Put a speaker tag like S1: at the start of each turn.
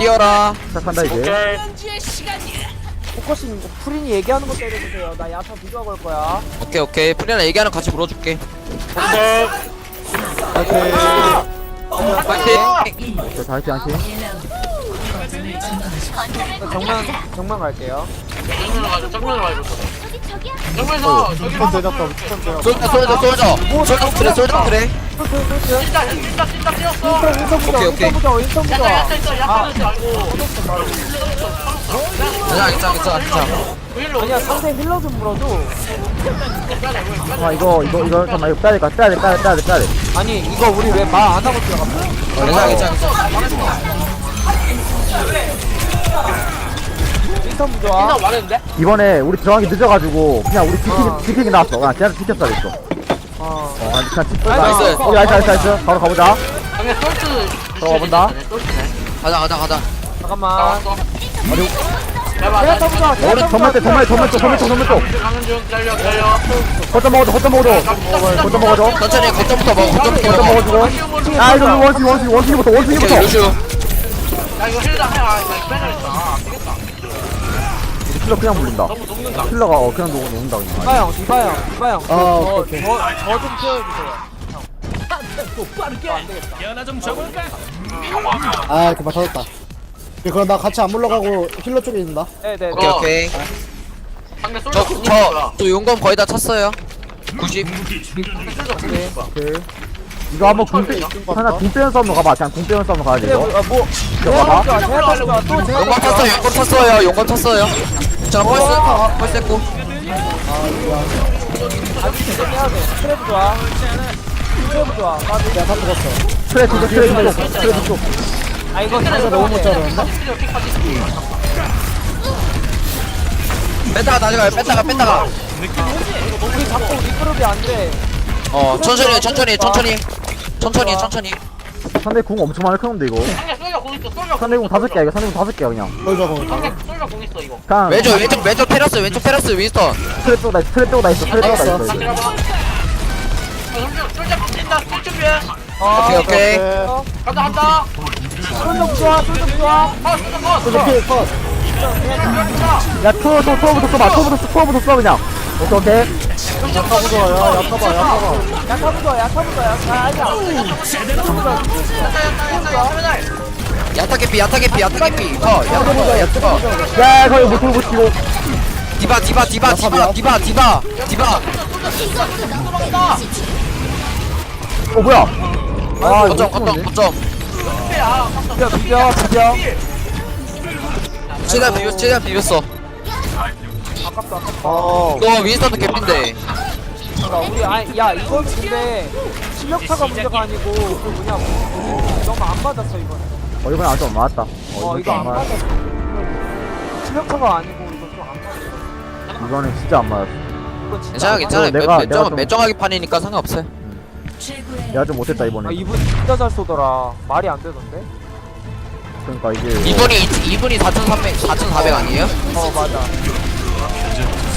S1: 뛰어라.
S2: 시작한다 이제.
S3: 오케이.
S4: 포커싱 프린이 얘기하는 거 때려주세요. 나 야타 비교하고 할 거야.
S1: 오케이 프리나 얘기하는 거 같이 물어줄게.
S3: 오케이.
S1: 파이팅.
S2: 자, 다시 한시.
S4: 정면 갈게요.
S3: 정면으로 가자. 정면에서 저기로 한번
S1: 솔져 솔져 그래.
S3: 진짜 뛰었어.
S4: 인턴 보자.
S1: 오케이.
S4: 인턴 보자. 인턴 보자.
S3: 야타 있어. 야타 있어. 아이고.
S1: 괜찮아.
S4: 아니야 상대 힐러 좀 물어줘.
S2: 잠깐만 이거 잠깐만 이거 빼야 돼.
S4: 아니 이거 우리 왜 말 안 하고 들어갔어?
S1: 괜찮아.
S4: 인턴 보자.
S3: 인사 말했는데?
S2: 이번에 우리 들어가기 늦어가지고 그냥 우리 지키기 나왔어. 그냥 쟤한테 지켰어 됐어. 아니 그냥 지켰어.
S1: 나이스.
S2: 나이스. 바로 가보자.
S3: 방금 솔트.
S2: 들어가본다.
S3: 솔트네.
S1: 가자.
S4: 잠깐만.
S3: 나왔어.
S4: 내가 보자.
S2: 오른 정말 쪽.
S3: 가는 중. 기다려.
S2: 거점 먹어줘.
S1: 천천히 거점부터 먹어.
S2: 거점 먹어주고. 아 이거 원숭이부터.
S1: 오케이 루슈.
S3: 야 이거 힐다 해. 아 이거 빼야겠다. 안 되겠다.
S2: 킬러 그냥 물린다.
S3: 너무 녹는다.
S2: 킬러가 그냥 녹는다 그냥.
S4: 디바 형.
S2: 오케이.
S4: 저좀 채워주세요.
S5: 아 이렇게 맞춰졌다. 그럼 나 같이 안 물러가고 힐러 쪽에 있는다.
S4: 네네.
S1: 오케이.
S3: 상대 솔트.
S1: 저 용검 거의 다 찼어요. 90.
S2: 오케이. 이거 한번 하나 궁 싸움으로 가봐. 그냥 궁 싸움으로 가야 돼 이거.
S4: 뭐?
S2: 이거 봐봐.
S4: 제가 또
S1: 용검 탔어요. 자 펄스 했고.
S4: 해야 돼. 트랩 좋아.
S5: 야다 죽었어.
S2: 트레 쪽.
S4: 아 이거
S5: 너무 못 자르는데?
S1: 뺐다가 다시 가요. 뺐다가.
S4: 우리 자꾸 리그룹이 안 돼.
S1: 천천히.
S2: 상대 궁 엄청 많이 크는데 이거.
S3: 상대 솔저 공 있어. 솔저
S2: 상대 궁 5개야 이거. 상대 궁 5개야 그냥.
S5: 솔저 공.
S3: 상대 솔저 공 있어 이거.
S2: 그냥
S1: 왼쪽 테라스 윈스턴.
S2: 트레 쪽다 있어.
S3: 다 들어봐. 솔저 바뀐다. 솔 준비해.
S1: 오케이.
S3: 간다.
S4: 손좀 좋아.
S5: 솔저 킬 컷.
S2: 야 투어부터 써 그냥. 오케이.
S5: 야타 좋아.
S4: 야타부터. 아니야.
S1: 야타 개피.
S2: 야 거의 못 치고.
S1: 디바.
S2: 뭐야? 아 이거
S1: 거점.
S4: 비벼.
S1: 최대한 비볐어. 너 윈스턴도 개피인데.
S4: 우리 야 이건 근데 실력차가 문제가 아니고 그 뭐냐 너무 안 맞았어 이번에.
S2: 이건 안좀 맞았다.
S4: 이거 안 맞았어. 실력차가 아니고 이거 좀 안 맞았어.
S2: 이거는 진짜 안 맞았어.
S4: 이거 진짜
S1: 괜찮아.
S4: 안 맞았어.
S1: 매정하게 판이니까 상관없어요.
S2: 내가 좀 못했다 이번에.
S4: 이분 진짜 잘 쏘더라. 말이 안 되던데?
S2: 그러니까 이게
S1: 이분이 4,400 아니에요?
S4: 맞아.